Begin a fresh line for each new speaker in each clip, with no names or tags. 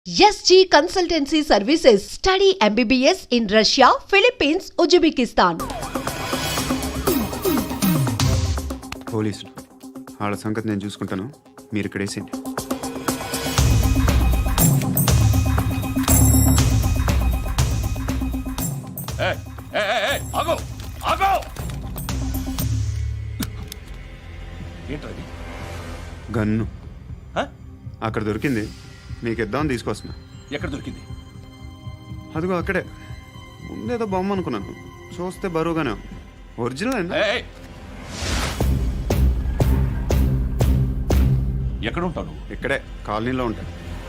SG Consultancy Services. Study MBBS in Russia, Philippines, Uzbekistan.
పోలీసులు వాళ్ళ సంగతి నేను చూసుకుంటాను, మీరు ఇక్కడ వేసేయండి.
ఏంటది?
గన్ను అక్కడ దొరికింది, మీకు ఇద్దామని తీసుకొస్తున్నా.
ఎక్కడ దొరికింది?
అదిగో అక్కడే ముందేదో బొమ్మ అనుకున్నాను, చూస్తే బరువుగానే ఉంది. ఒరిజినల్ అండి.
ఎక్కడ ఉంటావు?
ఇక్కడే కాలనీలో ఉంటాను.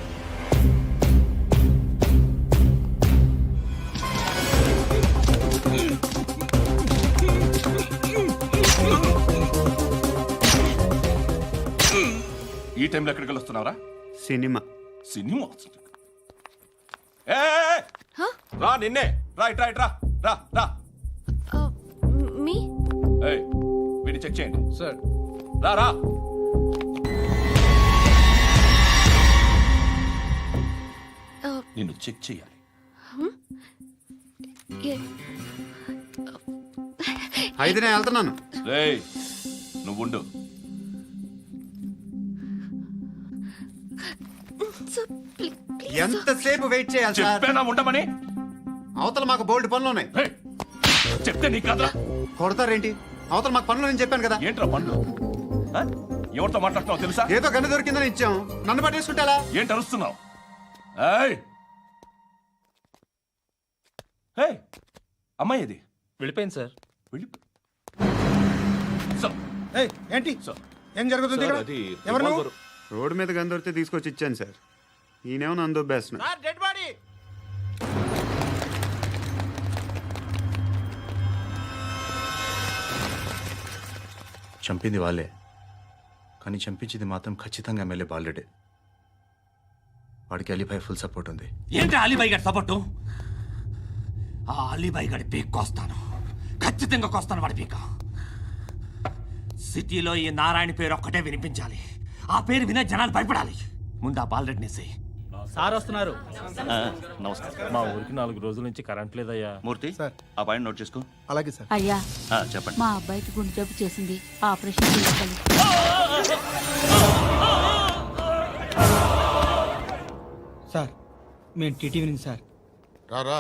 ఈ టైంలో ఎక్కడికి వస్తున్నారా?
సినిమా.
సినిమా? రా, నిన్నే. రైట్ రైట్ రా రా రా.
మీ
వీడిని చెక్ చేయండి
సార్.
రా రా. నిన్ను చెక్ చేయాలి.
అయితే నేను వెళ్తున్నాను.
రేయ్, నువ్వుండు.
ఎంతసేపు వెయిట్ చేయాలి సార్?
చెప్పేనా ఉండమని?
అవతల మాకు బోల్డ్ పనులు ఉన్నాయి.
రేయ్, చెప్తే నీకు కదరా.
కొడతారేంటి? అవతల మాకు పనులు నేను చెప్పాను కదా.
ఏంట్రా పండ్లు? ఎవరితో మాట్లాడుతున్నావు తెలుసా?
ఏదో గన్ను దొరికిందని ఇచ్చాం, నన్ను పట్టేసుకుంటా.
ఏంటి అరుస్తున్నావు? అమ్మాయి ఇది
వెళ్ళిపోయింది సార్.
వెళ్ళి
ఏంటి
సార్,
ఏం జరుగుతుంది ఇక్కడ? ఎవరు నువ్వు?
రోడ్డు మీద గన్ను దొరికితే తీసుకొచ్చి ఇచ్చాను సార్. ఈయనేమో నన్ను దొబ్బేస్తున్నా.
Dead body.
చంపింది వాళ్ళే, కానీ చంపించింది మాత్రం ఖచ్చితంగా ఎమ్మెల్యే బాలుడే. వాడికి అలీభాయ్ ఫుల్ సపోర్ట్ ఉంది.
ఏంటి అలీబాయి గారి సపోర్టు? ఆ అలీబాయి గారి పీక్ కోస్తాను, ఖచ్చితంగా కోస్తాను వాడి పీక. సిటీలో ఈ నారాయణ పేరు ఒక్కటే వినిపించాలి. ఆ పేరు వినే జనాలు భయపడాలి. ముందు ఆ బాలరెడ్డిని
సార్ వస్తున్నారు.
నమస్కారం.
మా ఊరికి 4 రోజుల నుంచి కరెంట్ లేదయ్యా.
మూర్తి, ఆ పాయింట్ నోట్ చేసుకో.
అలాగే సార్.
అయ్యా,
చెప్పండి.
మా అబ్బాయికి గుండె జబ్బు చేసింది, ఆపరేషన్ చేయాలి.
సార్ మేము టీటీవీ నుంచి సార్.
రారా.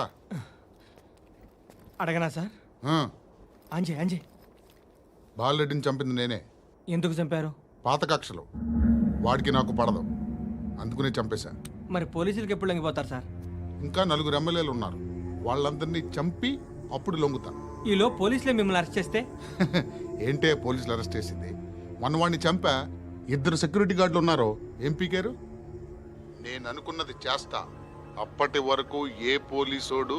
అడగనా సార్? అంజే అంజే
బాలరెడ్డిని చంపింది నేనే.
ఎందుకు చంపారు?
పాత కక్షలు, వాడికి నాకు పడదు, అందుకునే చంపేశా.
మరి పోలీసులకు ఎప్పుడు లొంగిపోతారు సార్?
ఇంకా 4 ఎమ్మెల్యేలు ఉన్నారు, వాళ్ళందరినీ చంపి అప్పుడు లొంగుతా.
ఈలో పోలీసులే మిమ్మల్ని అరెస్ట్ చేస్తే?
ఏంటే పోలీసులు అరెస్ట్ చేసింది? మొన్న వాడిని చంపా, 2 సెక్యూరిటీ గార్డులు ఉన్నారు, ఏం పీకారు? నేను అనుకున్నది చేస్తా, అప్పటి వరకు ఏ పోలీసోడు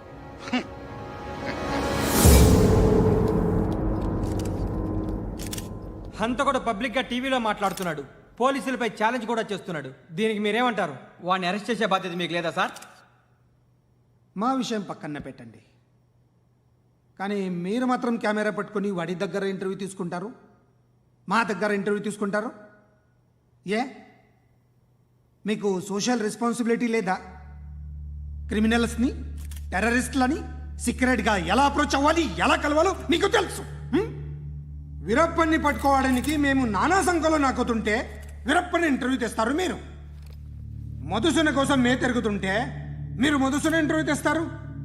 హంతకుడు పబ్లిక్ గా టీవీలో మాట్లాడుతున్నాడు, పోలీసులపై ఛాలెంజ్ కూడా చేస్తున్నాడు. దీనికి మీరేమంటారు? వాడిని అరెస్ట్ చేసే బాధ్యత మీకు లేదా సార్?
మా విషయం పక్కన పెట్టండి, కానీ మీరు మాత్రం కెమెరా పట్టుకొని వాడి దగ్గర ఇంటర్వ్యూ తీసుకుంటారు, మా దగ్గర ఇంటర్వ్యూ తీసుకుంటారు. ఏ మీకు సోషల్ రెస్పాన్సిబిలిటీ లేదా? క్రిమినల్స్ని, టెర్రరిస్టులని సీక్రెట్గా ఎలా అప్రోచ్ అవ్వాలి, ఎలా కలవాలో మీకు తెలుసు. వీరప్పన్ని పట్టుకోవడానికి మేము నానా సంఖ్యలో నాకుతుంటే వీరప్పని ఇంటర్వ్యూ తెస్తారు మీరు. మధుసూన కోసం మే తిరుగుతుంటే మీరు మధుసూన ఇంటర్వ్యూ తెస్తారు.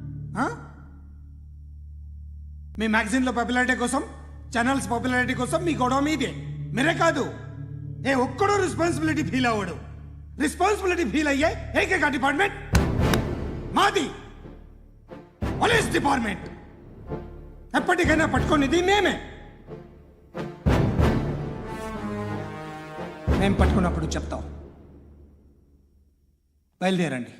మీ మ్యాగజైన్లో పాపులారిటీ కోసం, ఛానల్స్ పాపులారిటీ కోసం మీ గొడవ మీదే. మీరే కాదు, ఏ ఒక్కడో రెస్పాన్సిబిలిటీ ఫీల్ అవ్వడు. రెస్పాన్సిబిలిటీ ఫీల్ అయ్యే ఏకైక డిపార్ట్మెంట్ మాది, పోలీస్ డిపార్ట్మెంట్. ఎప్పటికైనా పట్టుకునేది మేమే. మేము పట్టుకున్నప్పుడు చెప్తాం. బయలుదేరండి.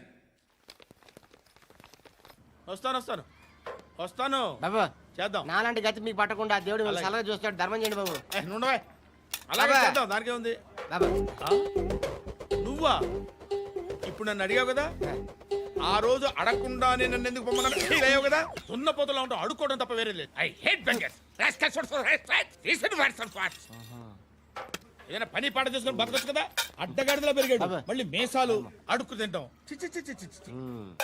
వస్తాను
బాబు,
చేద్దాం.
నాలాంటి గతి మీకు పట్టకుండా దేవుడు మిమ్మల్ని సలహా చూస్తాడు. ధర్మం చేయండి బాబు.
అలాగే చేద్దాం, దానికే ఉంది.
బాబు,
నువ్వా ఇప్పుడు నన్ను అడిగావు కదా, ఆ రోజు అడగకుండా నేను నన్ను ఎందుకు పొమ్మన్నా ఫీల్ అయ్యావు కదా. సున్న పోతలో ఉంటావు, అడుక్కోవడం తప్ప వేరే లేదు. I hate beggars. ఏదైనా పని పాట చేసుకుని బతకొచ్చు కదా. అడ్డగాడిదలా పెరిగాడు మళ్ళీ మేసాలు అడుక్కు తింటాం చి, చి, చి, చి, చి, చి.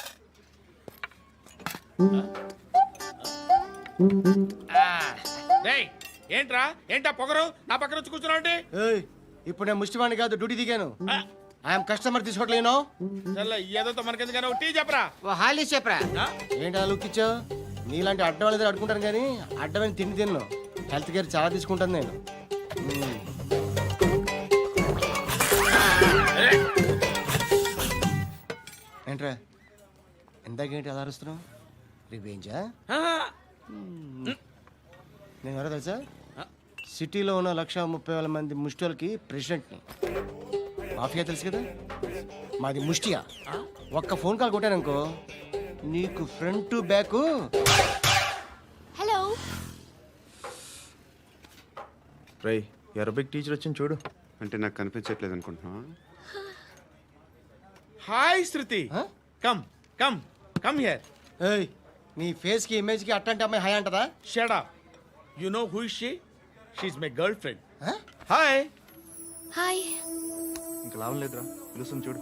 రేయ్, ఏంట్రా ఏంటా పొగరు నా పక్కన వచ్చి కూర్చున్నావు అంటే
ఇప్పుడు నేను ముష్టివాణి కాదు డ్యూటీ దిగాను ఐఎమ్ కస్టమర్ తీసుకోవట్లేను
ఏదో మనకెందుకైనా టీ చెప్పరా
హాలీ చెప్పరా
ఆ?
ఏంటి లుక్ ఇచ్చావు నీలాంటి అడ్డం వాళ్ళ దగ్గర అడుకుంటాను కానీ అడ్డమైన తిండి తిన్ను హెల్త్ కేర్ చాలా తీసుకుంటాను నేను ఏంట్రా ఇందాకేంటి అలా అరుస్తున్నావు రివేంజా నేను ఎవరో తెలుసా సిటీలో ఉన్న 130,000 మంది ముష్టిలకి ప్రెసిడెంట్ని మాఫియా తెలుసు కదా మాది ముష్టియా ఒక్క ఫోన్ కాల్ కొట్టాననుకో నీకు ఫ్రంట్ టు బ్యాక్
హలో
రై అరబిక్ టీచర్ వచ్చింది చూడు.
అంటే నాకు కనిపించట్లేదు అనుకుంటున్నా.
Hi Shruti come come come here
ఏయ్ నీ ఫేస్ కి ఇమేజ్ కి అట్టంటే అమ్మాయి హాయ్ అంటదా
shut up you know who is she is my girlfriend hi
hi
ఇంకా లాభం లేదురా, పిలుస్తుంది చూడు.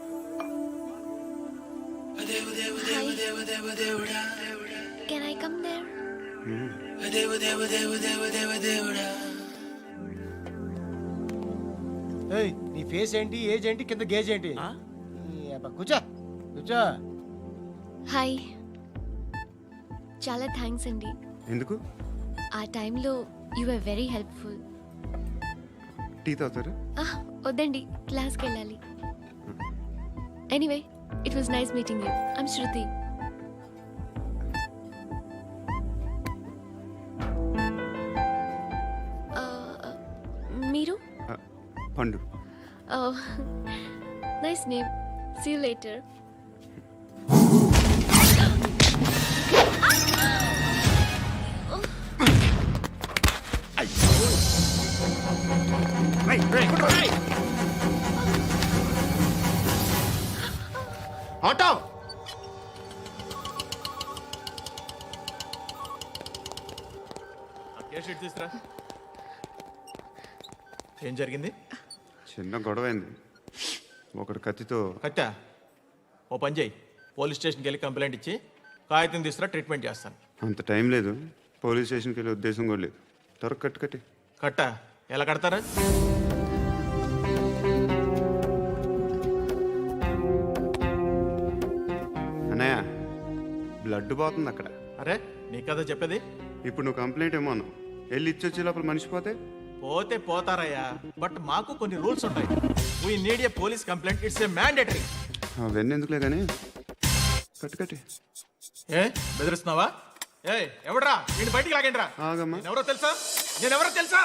కెన్ ఐ కమ్ దేర్
ఏయ్ నీ ఫేస్ ఏంటి ఏజ్ ఏంటి కింద గేజ్ ఏంటి ఈ అబ్బా, కూర్చో కూర్చో
హాయ్ చాలా థ్యాంక్స్ అండి
ఎందుకు?
ఆ టైంలో you are very helpful
tea తాగుతారా?
వద్దండి క్లాస్కి వెళ్ళాలి anyway it was nice meeting you I'm Shruti మీరు
Pandu.
Nice name see you later
auto
తీసురా
ఏం జరిగింది?
చిన్న గొడవ అయింది. ఒకడు కత్తితో.
కట్టా ఓ పని చేయి, పోలీస్ స్టేషన్కి వెళ్ళి కంప్లైంట్ ఇచ్చి కాగితం తీసుకురా, ట్రీట్మెంట్ చేస్తాను.
అంత టైం లేదు, పోలీస్ స్టేషన్కి వెళ్ళే ఉద్దేశం కూడా లేదు. త్వరగా కట్టి
కట్టా ఎలా కడతారా?
అన్నయ్య బ్లడ్ పోతుంది అక్కడ.
అరే నీ కదా చెప్పేది.
ఇప్పుడు నువ్వు కంప్లైంట్ ఏమో అన్నావు, వెళ్ళి ఇచ్చొచ్చే లోపల మనిషి పోతే
పోతే పోతారయ్యా, బట్ మాకు కొన్ని రూల్స్ ఉంటాయి. We need a police complaint, it's a mandatory.
అవన్నీ ఎందుకులే కానీ కట్టి
ఏ బెదిరిస్తున్నావా? ఏ ఎవడ్రా నేను బయటికి లాగండిరా.
ఆగమ్మా.
ఎవరో తెలుసా? నేనెవరో తెలుసా?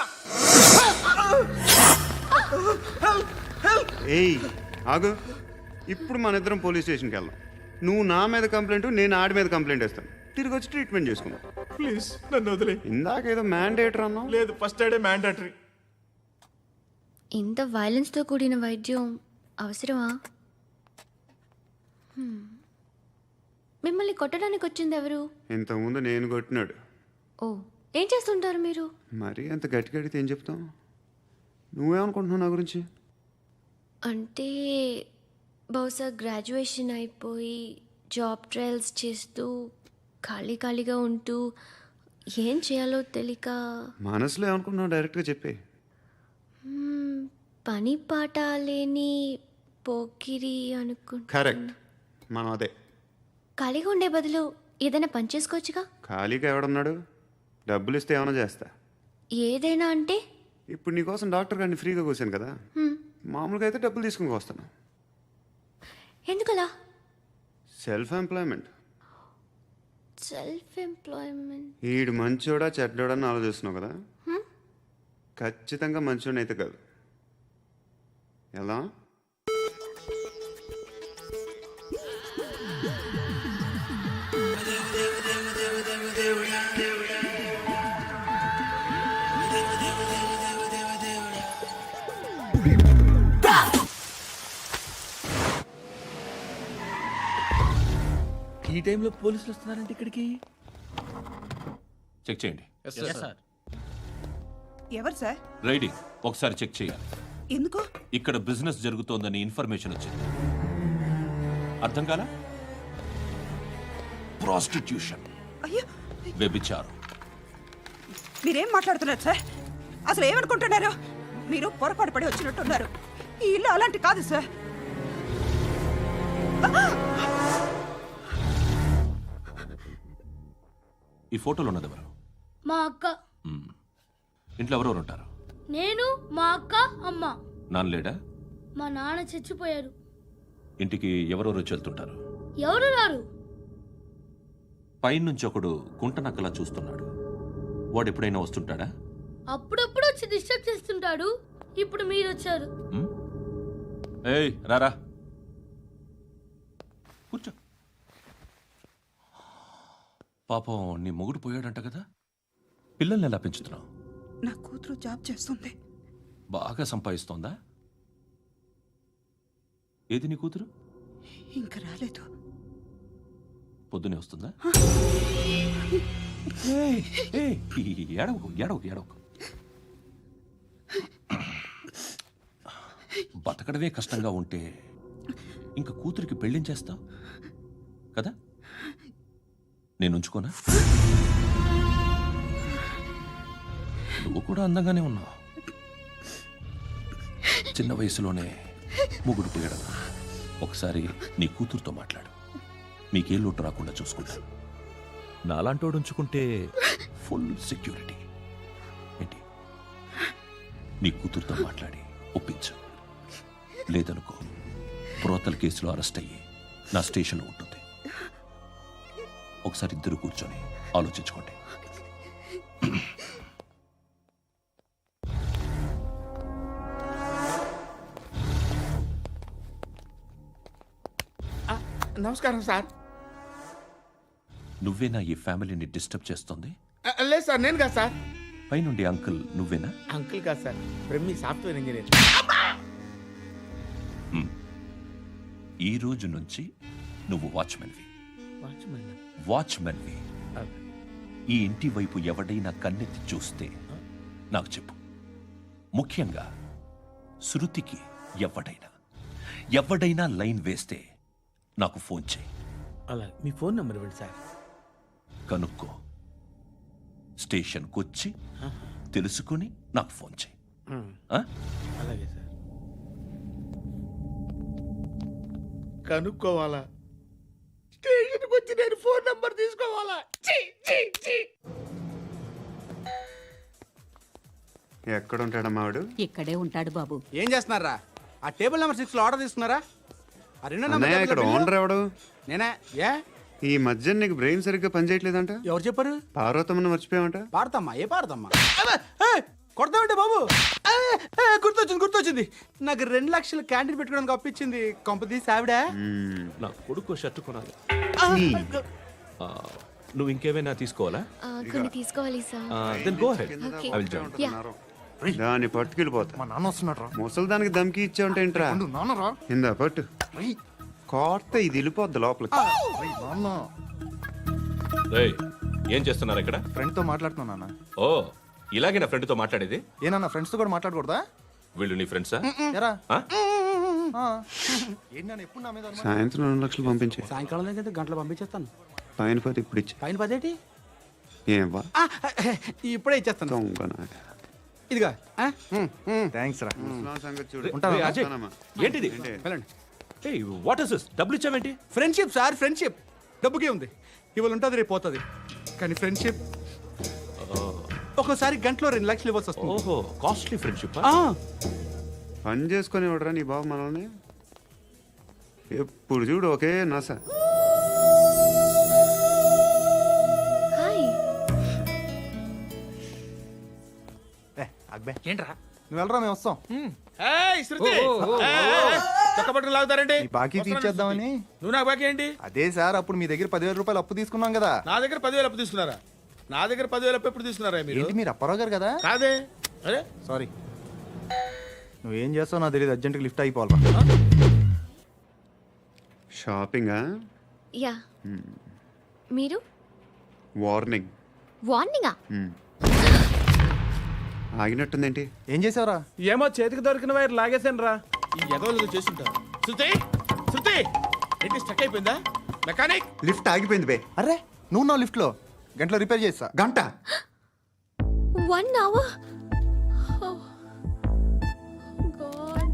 ఏయ్ ఆగు. ఇప్పుడు మన ఇద్దరం పోలీస్ స్టేషన్కి వెళ్దాం. నువ్వు నా మీద కంప్లైంట్, నేను ఆడి మీద కంప్లైంట్ వేస్తాను. తిరిగి వచ్చి ట్రీట్మెంట్ చేసుకుందాం.
ప్లీజ్ నన్ను వదిలే.
ఇందాక ఏదో మ్యాండేటర్ అన్నావు.
లేదు, ఫస్ట్ ఎయిడే మ్యాండేటరీ.
ఇంత వైలెన్స్తో కూడిన వైద్యం అవసరమా మిమ్మల్ని కొట్టడానికి వచ్చింది ఎవరు?
ఇంతకుముందు నేను కొట్టినాడు.
ఓ ఏం చేస్తుంటారు మీరు?
మరి అంత గట్టిగా అడిగితే ఏం చెప్తావు? నువ్వేమనుకుంటున్నావు నా గురించి?
అంటే బహుశా గ్రాడ్యుయేషన్ అయిపోయి జాబ్ ట్రయల్స్ చేస్తూ ఖాళీగా ఉంటూ ఏం చేయాలో తెలియక.
మనసులో ఏమనుకుంటున్నావు డైరెక్ట్గా చెప్పే.
పని పాట లేని పోకిరి అనుకుంటా.
కరెక్ట్, మనం అదే.
ఖాళీగా ఉండే బదులు ఏదైనా పని చేసుకోవచ్చుగా.
ఖాళీగా ఎవడున్నాడు? డబ్బులు ఇస్తే ఏమైనా చేస్తా.
ఏదైనా అంటే?
ఇప్పుడు నీకోసం డాక్టర్ గారిని ఫ్రీగా కూర్చాను కదా, మామూలుగా అయితే డబ్బులు తీసుకుని వస్తాను.
ఎందుకలా?
Self employment.
Self employment.
ఈడు మంచోడా చెడ్డోడా అని ఆలోచిస్తున్నావు కదా, ఖచ్చితంగా మంచోడని అయితే కాదు. ఎలా?
ఈ టైంలో పోలీసులు వస్తున్నారంటే ఇక్కడికి.
చెక్ చేయండి.
సార్
ఎవరు సార్?
రైడింగ్ ఒకసారి చెక్ చేయాలి.
ఎందుకు?
ఇక్కడ బిజినెస్ జరుగుతోందని ఇన్ఫర్మేషన్ వచ్చింది. అర్థం కాలా? ప్రాస్టిట్యూషన్,
అయ్యో,
వ్యభిచారం.
మీరేం మాట్లాడుతున్నారు సార్? అసలు ఏమనుకుంటున్నారు? మీరు పొరపాటు పడి వచ్చినట్టున్నారు. ఈ ఇల్లు అలాంటి కాదు సార్.
ఈ ఫోటోలో ఉన్నది ఎవరు?
మా అక్క.
ఇంట్లో ఎవరెవరు ఉంటారు?
నేను, మా అక్క, అమ్మ.
నాన్న లేడా?
మా నాన్న చచ్చిపోయారు.
ఇంటికి ఎవరెవరు వచ్చి వెళ్తుంటారు?
ఎవరు రారు.
పైనుంచి ఒకడు గుంట నక్కలా చూస్తున్నాడు. వాడు ఎప్పుడైనా వస్తుంటాడా?
అప్పుడప్పుడు వచ్చి డిస్టర్బ్ చేస్తుంటాడు. ఇప్పుడు మీరు వచ్చారు.
ఏయ్ రారా, కూర్చో. పాపం నీ మొగుడు పోయాడంట కదా, పిల్లల్ని ఎలా పెంచుతున్నావు?
నా కూతురు జాబ్ చేస్తుంది.
బాగా సంపాదిస్తోందా? ఏది నీ కూతురు?
ఇంకా రాలేదు.
పొద్దునే వస్తుందా? ఏయ్, ఏయ్, ఏడవకు ఏడవకు ఏడవకు. బతకడమే కష్టంగా ఉంటే ఇంకా కూతురికి పెళ్ళించేస్తావు కదా? నేను ఉంచుకోనా? నువ్వు కూడా అందంగానే ఉన్నావు. చిన్న వయసులోనే ముగుడు పోయడం. ఒకసారి నీ కూతురుతో మాట్లాడు. మీకే లోటు రాకుండా చూసుకుంటాను. నాలాంటోడు ఉంచుకుంటే ఫుల్ సెక్యూరిటీ. ఏంటి? నీ కూతురుతో మాట్లాడి ఒప్పించు. లేదనుకో, ప్రోతల్ కేసులో అరెస్ట్ అయ్యి నా స్టేషన్లో ఉంటుంది. ఒకసారి ఇద్దరు కూర్చొని ఆలోచించుకోండి.
నమస్కారం సార్.
నువ్వేనా ఈ ఫ్యామిలీని డిస్టర్బ్ చేస్తుంది?
లేదు సార్, నేను కాదు సార్.
పైనుండి అంకుల్ నువ్వేనా?
అంకుల్ కాదు సార్, బ్రహ్మి సాఫ్ట్వేర్ ఇంజనీర్.
ఈ రోజు నుంచి నువ్వు వాచ్మెన్వి.
వాచ్మెన్?
వాచ్మెన్వి. ఈ ఇంటి వైపు ఎవడైనా కన్నెత్తి చూస్తే నాకు చెప్పు. ముఖ్యంగా శృతికి ఎవడైనా లైన్ వేస్తే నాకు ఫోన్ చేయి.
అలా మీ ఫోన్ నెంబర్ ఇవ్వండి సార్.
కనుక్కో, స్టేషన్కి వచ్చి తెలుసుకుని నాకు ఫోన్ చేయి.
అలాగే సార్. కనుక్కోవాలా? స్టేషన్కి వచ్చి నేను ఫోన్ నంబర్ తీసుకోవాలా?
ఎక్కడ ఉంటాడమ్మా వాడు?
ఇక్కడే ఉంటాడు బాబు.
ఏం చేస్తున్నారా? ఆ టేబుల్ నెంబర్ 6 లో ఆర్డర్ తీసుకున్నారా? ఆ రెండో నెంబర్
అన్నయ్య, ఇక్కడ ఓనర్ ఎవడు?
నేనే. ఏ
ఈ మధ్య నీకు బ్రెయిన్ సరిగ్గా పనిచేయట్లేదంట.
ఎవరు చెప్పారు?
పార్వతమ్మను మర్చిపోయామంట.
పాడతామ్మా? ఏ పాడతామ్మా? కొడతామంటే బాబు. గుర్తొచ్చింది. నాకు 2 లక్షలు క్యాంటీన్ పెట్టుకోవడానికి అప్పించింది. కొంపదీసి ఆవిడ.
నా కొడుకు షర్ట్ కొనాలి. నువ్వు ఇంకేమైనా తీసుకోవాలా?
కొన్ని తీసుకోవాలి sir.
Then go ahead.
Okay.
I will join.
దాన్ని పట్టుకెళ్ళిపోతా.
మా నాన్న వస్తున్నాడు రా.
ముసలి దానికి దమ్కి ఇచ్చావుంటేంట్రా?
నాన్నరా.
ఇందా పట్టు. కోర్త ఇది వెళ్ళిపోద్ది లోపలికి.
నాన్న
రేయ్, ఏం చేస్తున్నారు ఇక్కడ?
ఫ్రెండ్ తో మాట్లాడుతున్నా నాన్న.
ఓ, ఇలాగే నా ఫ్రెండ్తో మాట్లాడేది?
ఏనా ఫ్రెండ్స్ తో కూడా మాట్లాడకూడదా?
వీళ్ళు నీ ఫ్రెండ్సా?
ఎరా
ఆ?
ఏంటి నాన్న ఎప్పుడు నా మీద అనుమానం?
సాయంత్రం 2 లక్షలు పంపించే.
సాయంకాలం దగ్గర గంటలు పంపించేస్తాను.
పైన 10 ఇప్పుడు ఇచ్చే.
పైన 10 ఏంటి?
ఏం వా
ఇప్పుడే ఇచ్చేస్తాను.
దొంగనా.
ఇదిగా.
థ్యాంక్స్ రా.
ముసలాం సంగతి చూడు.
రేయ్, అజయ్,
ఉంటానమ్మా.
ఏంటిది?
వెళ్ళండి.
ఏయ్, వాట్ ఇస్ దిస్? డబ్బులు ఇచ్చావేంటి?
Friendship sir, friendship. డబ్బుకే ఉంది. ఇవాళ ఉంటుంది, రేపు పోతుంది. కానీ ఫ్రెండ్షిప్ ఒక్కోసారి గంటలో 2 లక్షలు ఇవ్వాల్సి వస్తుంది.
ఓహో, కాస్ట్లీ ఫ్రెండ్షిప్.
పని చేసుకొని ఇవ్వడరా నీ బాబు మనల్ని. ఎప్పుడు చూడు ఒకే నస.
హాయ్.
అక్బే
ఏంట్రా?
నువ్వు వెళ్ళరా, మేము వస్తాం.
ఏయ్ శృతి, చక్క పట్టుకుని లాగుతారండి.
ఈ బాకీ తీర్చేద్దామని.
నువ్వు నాకు బాకీ ఏంటి?
అదే సార్, అప్పుడు మీ దగ్గర 10,000 రూపాయలు అప్పు తీసుకున్నాం కదా.
నా దగ్గర 10,000 అప్పు తీసుకున్నారా? నా దగ్గర 10,000 అప్పు ఎప్పుడు తీసుకున్నారా మీరు?
ఏంటి మీరు అప్పారావు గారు కదా?
కాదే. అరే
సారీ. నువ్వేం చేస్తావు నాకు తెలియదు, అర్జెంట్గా లిఫ్ట్ అయిపోవాలరా.
షాపింగా?
యా. మీరు?
వార్నింగ్.
వార్నింగా?
ఆగినట్టుందేంటి?
ఏం చేసావురా? ఏమో చేతికి దొరికిన వైర్ లాగేసాను రా.
ఈ ఎదవలు చేస్తుంటారు. శృతి శృతి ఏంటి స్టక్ అయిపోయిందా? మెకానిక్
లిఫ్ట్ ఆగిపోయింది బే.
అరే నువ్వు నా లిఫ్ట్ లో గంటలో రిపేర్ చేస్తా.
గంట
1 hour? Oh, God.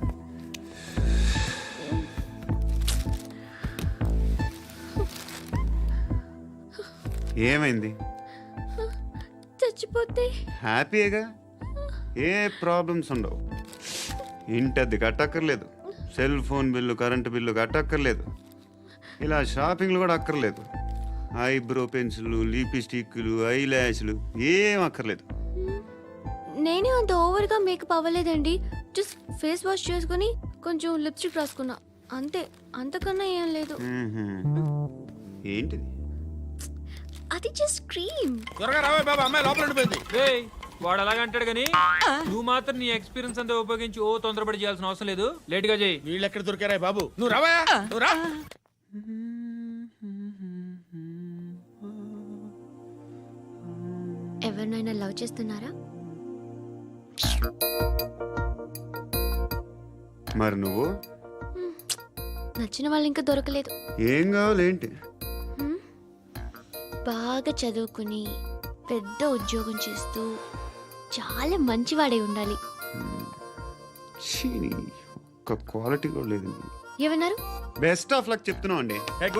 ఏమైంది?
చచ్చిపోతే
హ్యాపీగా, ఏ ప్రాబ్లమ్స్ ఉండవు. ఇంటి అద్దె కట్టక్కర్లేదు, cell phone bill current bill కట్టక్కర్లేదు, ఇలా షాపింగ్లు కూడా అక్కర్లేదు. ఐబ్రో పెన్సిల్లు, లిప్స్టిక్లు, ఐ ల్యాష్లు ఏం అక్కర్లేదు.
నేనే అంత ఓవర్గా మేకప్ అవ్వలేదండి. జస్ట్ ఫేస్ వాష్ చేసుకుని కొంచెం లిప్స్టిక్ రాసుకున్నా అంతే, అంతకన్నా ఏం లేదు.
ఏంటిది?
అది జస్ట్ క్రీమ్.
త్వరగా రావే బాబా, అమ్మాయి లోపల ఉండిపోయింది.
వాడు అలాగంటాడు కానీ నువ్వు మాత్రం నీ ఎక్స్పీరియన్స్ అంతా ఉపయోగించి ఓ తొందరపడి చేయాల్సిన అవసరం లేదు. లేట్ గా చేయి.
వీళ్ళు ఎక్కడ దొరికారా బాబు? నువ్వు రావా, నువ్వు రా.
ఎవరినైనా లవ్ చేస్తున్నారా?
మరి నువ్వు?
నచ్చిన వాళ్ళు ఇంకా దొరకలేదు.
ఏం కావాలి ఏంటి?
బాగా చదువుకుని పెద్ద ఉద్యోగం చేస్తూ చాలా మంచివాడై ఉండాలి.
ఒక్క క్వాలిటీ కూడా లేదు.
ఏమన్నారు?
బెస్ట్ ఆఫ్ లక్ చెప్తున్నావు అండి.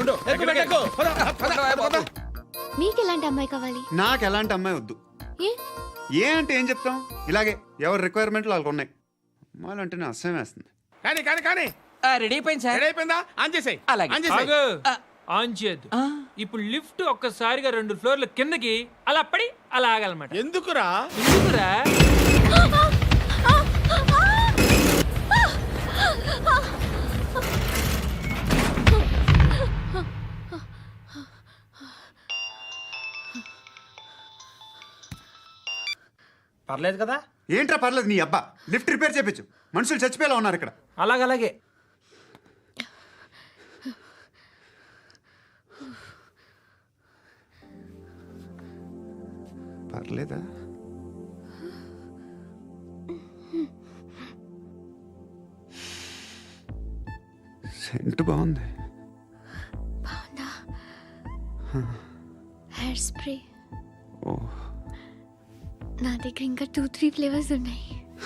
మీకు ఎలాంటి అమ్మాయి కావాలి?
నాకు ఎలాంటి అమ్మాయి వద్దు. ఏ అంటే ఏం చెప్తాం, ఇలాగే ఎవరి రిక్వైర్మెంట్లు వాళ్ళకు ఉన్నాయి. అమ్మాయిలు అంటేనే అసహ్యం వేస్తుంది.
కానీ కానీ కానీ
రెడీ అయిపోయింది సార్.
రెడీ అయిపోయిందా? ఆన్ చేసేయ్. ఆన్ చేసేయ్.
ఆన్ చేయద్దు. ఇప్పుడు లిఫ్ట్ ఒక్కసారిగా 2 ఫ్లోర్ల కిందకి అలా పడి అలా ఆగాలన్నమాట.
ఎందుకురా?
ఎందుకురా? పర్లేదు కదా?
ఏంట్రా పర్లేదు నీ అబ్బా. లిఫ్ట్ రిపేర్ చేయించు, మనుషులు చచ్చిపోయేలా ఉన్నారు ఇక్కడ.
అలాగే
పర్లేదా? సెంట్ బాగుంది.
బాగుందా? Hair spray.
ఓ,
నా దగ్గర ఇంకా 2-3 ఫ్లేవర్స్ ఉన్నాయి.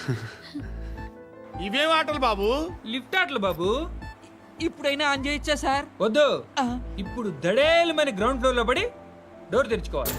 ఇవేం ఆటలు బాబు?
లిఫ్ట్ ఆటలు బాబు. ఇప్పుడైనా ఆన్ చేయొచ్చా సార్? వద్దు. ఇప్పుడు దడేలమని గ్రౌండ్ ఫ్లోర్ లో పడి డోర్ తెరుచుకోవాలి.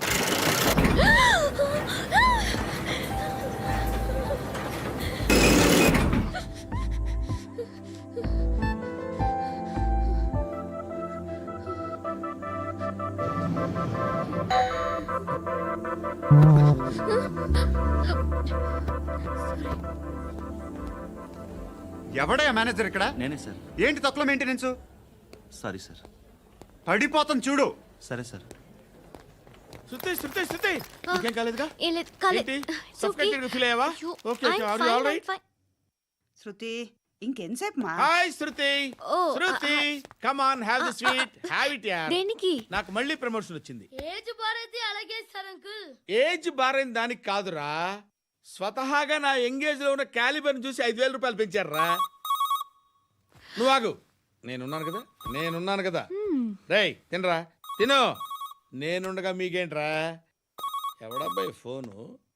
ఎవడయ్యా మేనేజర్ ఇక్కడ?
నేనే సార్.
ఏంటి తక్కువ మెయింటెనెన్స్?
Sorry sir.
పడిపోతాం చూడు.
సరే సార్.
శృతి శృతి శృతి ఇంకేం కాలేదుగా?
ఏం లేదు, కాలేదు.
ఏంటి? సఫ్కేటెడ్ ఫీల్ అయ్యావా? Okay okay, are you all right?
Shruti ఇంకెంతసేపు మా?
Hi Shruti.
Oh,
Shruti come on, have the sweet, have it యార్.
దేనికి?
నాకు మళ్ళీ ప్రమోషన్ వచ్చింది.
ఏజ్ బారైతే అలాగే సార్ అంకుల్.
ఏజ్ బారైన దానికి కాదురా, స్వతహాగా నా ఎంగేజ్ లో ఉన్న క్యాలిబర్ చూసి 5,000 రూపాయలు పెంచారా. నువ్వు ఆగు, నేనున్నాను కదా. రేయ్ తినరా, తిను. నేనుండగా మీకేంట్రా? ఎవడబ్బాయి ఫోను?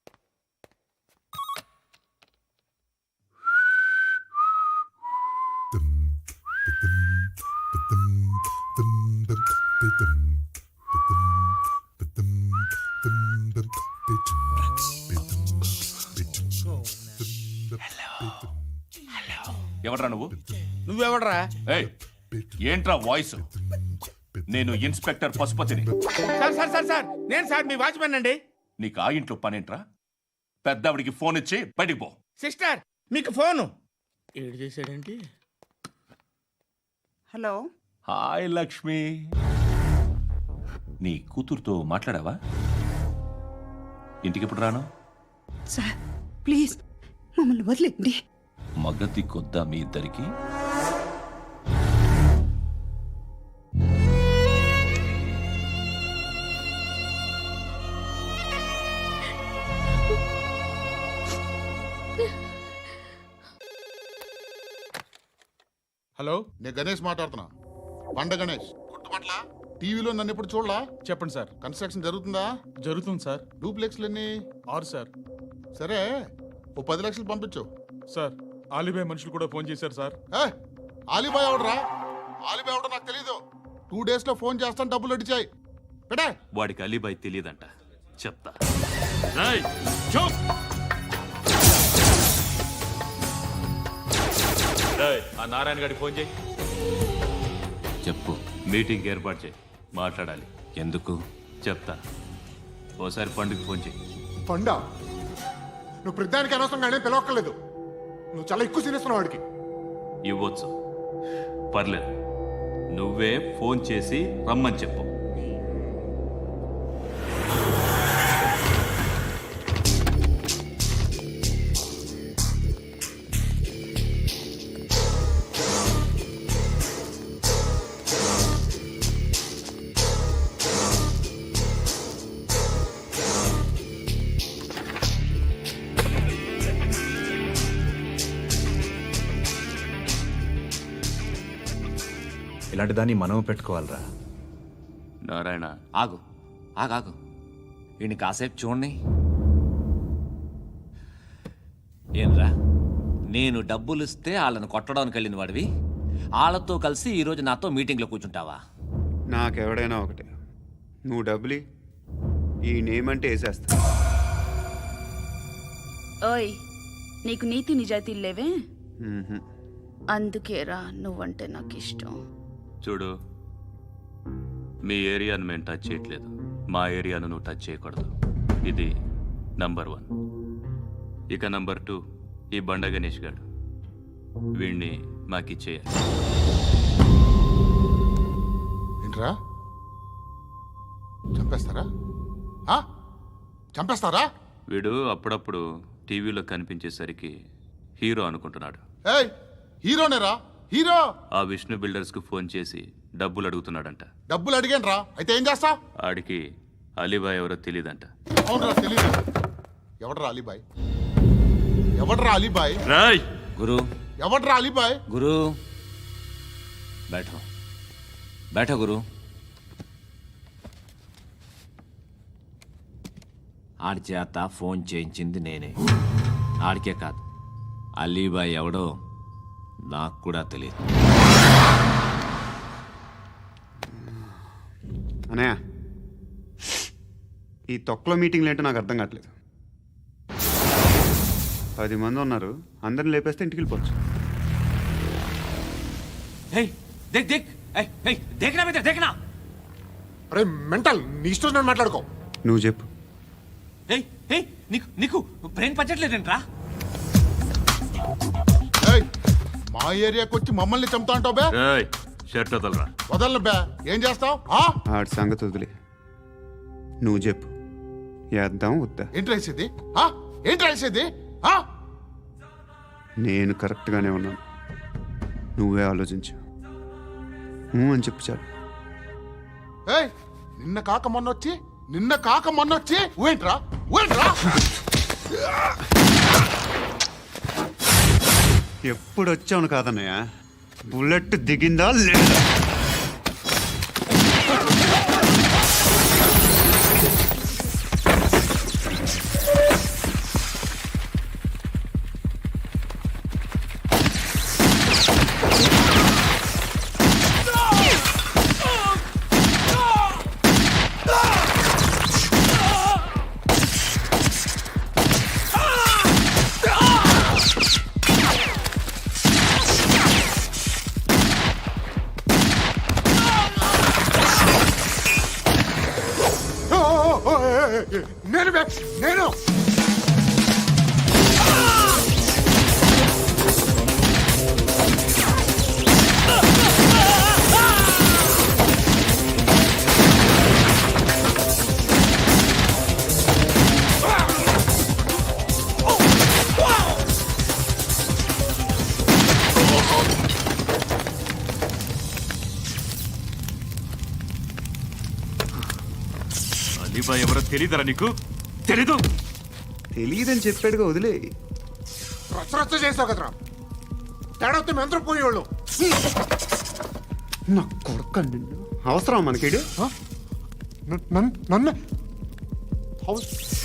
ఎవడ్రా నువ్వు?
నువ్వెవడరా?
ఏయ్, ఏంట్రా వాయిస్? నేను ఇన్స్పెక్టర్ పశుపతిని.
సార్ సార్ సార్ సార్, నేను సార్ మీ వాచ్మెన్ అండి.
నీకు ఆ ఇంట్లో పనేంట్రా? పెద్దవిడికి ఫోన్ ఇచ్చి బయటికి పో.
సిస్టర్ మీకు ఫోను. ఏడు చేశాడేంటి?
హలో.
హాయ్ లక్ష్మి. నీ కూతురుతో మాట్లాడావా? ఇంటికి ఎప్పుడు రాను?
సార్ ప్లీజ్ మమ్మల్ని వదిలేండి.
మగతి కొద్దా మీ ఇద్దరికి?
హలో,
నేను గణేష్ మాట్లాడుతున్నా. బండ గణేష్ గుర్తుపట్ల టీవీలో నన్ను ఎప్పుడు చూడలా?
చెప్పండి సార్.
కన్స్ట్రక్షన్ జరుగుతుందా?
జరుగుతుంది సార్.
డూప్లెక్స్లు ఎన్ని?
6 సార్.
సరే, ఓ 10 లక్షలు పంపించు.
సార్, ఆలిబాయ్ మనుషులు కూడా ఫోన్ చేశారు సార్.
ఆలిబాయ్ ఎవడరా? ఆలిబాయ్ ఎవడో నాకు తెలీదు. 2 days లో ఫోన్ చేస్తాను, డబ్బులు అడిచాయి పెడే.
వాడికి అలీబాయ్ తెలియదంట, చెప్తా. ఆ నారాయణ గారికి ఫోన్ చేయి. చెప్పు. మీటింగ్ ఏర్పాటు చేయి, మాట్లాడాలి. ఎందుకు చెప్తా. ఓసారి పండుగ ఫోన్ చేయి.
పండా, నువ్వు ప్రతిదానికి అనవసరంగానే పిలవక్కర్లేదు. నువ్వు చాలా ఎక్కువ సీనిస్తున్నావు వాడికి.
ఇవ్వచ్చు, పర్లేదు. నువ్వే ఫోన్ చేసి రమ్మని చెప్పు.
ఇలాంటి దాన్ని మనం పెట్టుకోవాలరా.
నారాయణ,
ఆగు ఆగాగు, ఈయన కాసేపు చూడండి. ఏంరా, నేను డబ్బులు ఇస్తే వాళ్ళని కొట్టడానికి వెళ్ళిన వాడివి, వాళ్ళతో కలిసి ఈరోజు నాతో మీటింగ్లో కూర్చుంటావా?
నాకెవడైనా ఒకటే. నువ్వు డబ్బులి, ఈ నేమ్ అంటే వేసేస్తా.
ఓయ్, నీకు నీతి నిజాయితీలు లేవే,
మ్మ్హ.
అందుకేరా నువ్వంటే నాకు ఇష్టం.
చూడు, మీ ఏరియాను మేము టచ్ చేయట్లేదు, మా ఏరియాను నువ్వు టచ్ చేయకూడదు. ఇది నంబర్ 1. ఇక నంబర్ 2, ఈ బండ గణేష్ గారు, వీణ్ణి మాకిచ్చేయాలి.
ఏంట్రా, చంపేస్తారా? చంపేస్తారా?
వీడు అప్పుడప్పుడు టీవీలో కనిపించేసరికి హీరో అనుకుంటున్నాడు.
ఏయ్, హీరోనేరా, హీరో.
ఆ విష్ణు బిల్డర్స్కు ఫోన్ చేసి డబ్బులు అడుగుతున్నాడంట.
డబ్బులు అడిగాను రా, అయితే ఏం చేస్తా?
ఆడికి అలీబాయ్ ఎవరో తెలియదంట.
అవునరా, తెలీదు. ఎవడరా అలీబాయ్? ఎవడరా అలీబాయ్?
రాయ్
గురు,
ఎవడరా అలీబాయ్?
గురు బైఠో బైఠో గురు. ఆడి చేత ఫోన్ చేయించింది నేనే. ఆడికే కాదు, అలీబాయ్ ఎవడో నాకు కూడా తెలియదు.
అనయ్య, ఈ తొక్కలో మీటింగ్లు ఏంటో నాకు అర్థం కావట్లేదు. 10 మంది ఉన్నారు, అందరిని లేపేస్తే ఇంటికి వెళ్ళిపోవచ్చు.
దేక్ దేక్ దేకనా మీద దేకనా.
అరే మెంటల్, నీ ఇష్టం నేను మాట్లాడుకో.
నువ్వు చెప్పు.
నీకు నీకు బ్రెయిన్ పచ్చట్లేదంట్రా.
మా ఏరియాకి వచ్చి మమ్మల్ని చంపుతా అంటావు బే?
షర్ట్ వదలరా.
వదలను బే. ఏం చేస్తావు?
ఆడి సంగతి వదిలే, నువ్వు చెప్పు. వేద్దాం వద్దా?
ఏంటి రాసేది? ఏంటి రాసేది?
నేను కరెక్ట్గానే ఉన్నాను, నువ్వే ఆలోచించు. అని చెప్పు చాలు.
ఏయ్, నిన్న కాక మొన్నొచ్చి ఊయంట్రా.
ఎప్పుడు వచ్చావును కాదన్నయ్య, బుల్లెట్ దిగిందా లేదా?
నేను
అలీబాయ్ ఎవరో తెలీదరా నీకు?
తెలియదని చెప్పాడుగా, వదిలే.
రచ్చ చేసావు కదరా. తేడా వస్తే మెంతరం పోయేవాళ్ళు.
నా కొడుకు నిన్ను అవసరం మనకిడు
నన్ను హౌస్